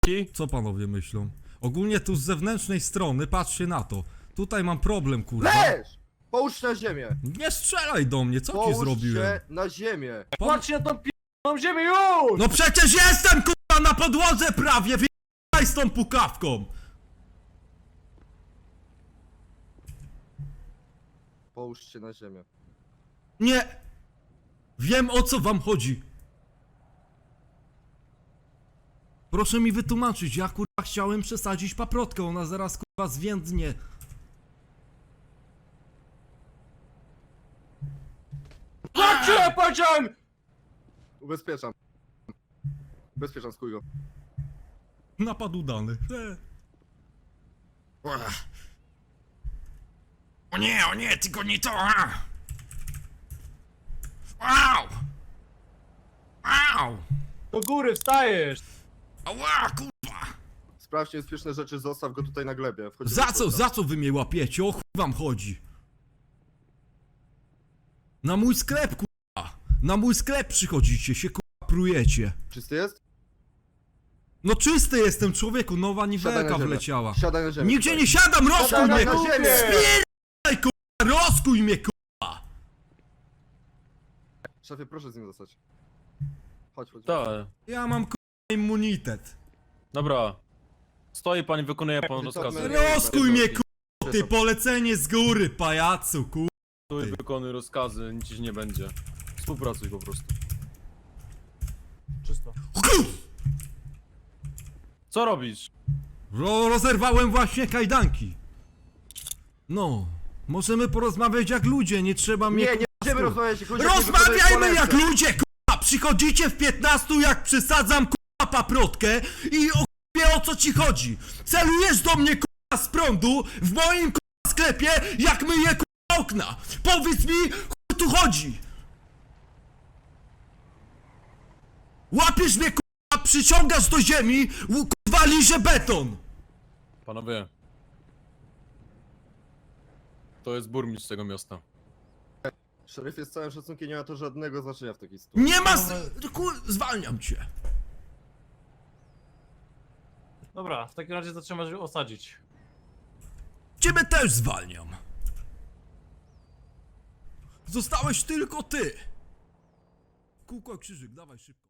Co panowie myślą? Ogólnie tu z zewnętrznej strony, patrzcie na to. Tutaj mam problem, kurwa. Leż! Połóż się na ziemię! Nie strzelaj do mnie, co ci Połóż zrobiłem? się na ziemię! Patrzcie na tą p***ą ziemię już! No przecież jestem, kurwa, na podłodze prawie, wyjechaj z tą pukawką! Połóż się na ziemię. Nie! Wiem, o co wam chodzi. Proszę mi wytłumaczyć, ja kurwa chciałem przesadzić paprotkę, ona zaraz kurwa zwiędnie. Patrzcie, ja powiedziałem! Ubezpieczam. Ubezpieczam, skuj go. Napad udany. O nie, tylko nie to! Au! Au! Do góry wstajesz! Ała, kurwa! Sprawdź niebezpieczne rzeczy, zostaw go tutaj na glebie. Wchodzimy Za do co, środka. za co wy mnie łapiecie? O chuj wam chodzi? Na mój sklep, kurwa! Na mój sklep przychodzicie, się kurwa prujecie. Czysty jest? No czysty jestem, człowieku, nowa Siadaj na niwelka ziemię. wleciała. Siadaj na ziemię. Nigdzie tutaj. nie siadam, rozkuj Siadaj mnie! na ziemię! Spierdaj, kurwa, rozkuj mnie, kurwa! Szefie, proszę z nim zostać. Chodź, chodź. Tak. Ja mam kurwa immunitet. Dobra. Stoi pan i wykonuje pan rozkazy. Rozkuj mnie, kurwa, ty polecenie z góry, pajacu, kurwa. Stój, wykonuj rozkazy, nic ci nie będzie. Współpracuj po prostu. Czysto. Co robisz? Rozerwałem właśnie kajdanki. No, możemy porozmawiać jak ludzie, nie trzeba mnie... Nie, nie będziemy rozmawiać, jak ludzie, którzy Rozmawiajmy wykonują jak polecenie. ludzie, kurwa! Przychodzicie w 15, jak przysadzam, kurwa, paprotkę i o co ci chodzi. Celujesz do mnie, kurwa, z prądu w moim, kurwa, sklepie, jak myję, kurwa, okna. Powiedz mi, chuj tu chodzi. Łapiesz mnie, kurwa, przyciągasz do ziemi, kurwa, liże beton. Panowie. To jest burmistrz tego miasta. Szeryfie, z całym szacunkiem nie ma to żadnego znaczenia w takiej sytuacji. Nie ma... Zwalniam cię. Dobra, w takim razie to trzeba osadzić. Ciebie też zwalniam. Zostałeś tylko ty. Kółko, krzyżyk, dawaj szybko.